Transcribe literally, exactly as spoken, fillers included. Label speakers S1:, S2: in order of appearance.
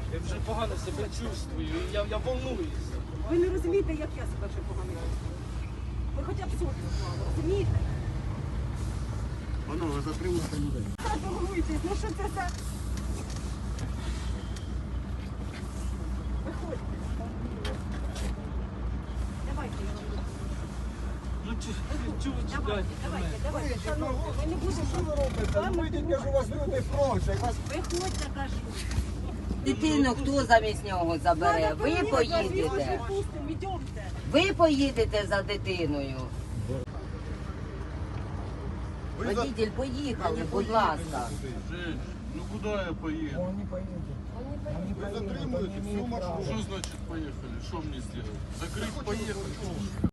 S1: Я вже погано себе чувствую, і я, я волнуюся.
S2: Ви не розумієте, як я себе вже погано чувствую. Ви хоча б совість мали, розумієте?
S3: Панове, затримуйте людей.
S2: Так, волнуйтесь, ну що це за... Виходьте. Давайте, я вам допоможу.
S1: Ну чого ви
S2: Давайте,
S1: чекаєте?
S2: давайте, давайте, шановні, ми не будемо...
S3: Що ви робите? Ну, вийдіть, кажу, вас люди просять. Вас...
S2: Виходьте, кажу.
S4: Дитину хто замість нього забере? Ви поїдете.
S2: Випустимо, йдемте.
S4: Ви поїдете за дитиною. Водитель, поїхали, будь ласка.
S5: Жень, ну куда я поеду?
S3: Вони поїдуть.
S5: Вы затримуете всю маршрут. Что значит поехали? Что мне сделать? Закрыть, поехали.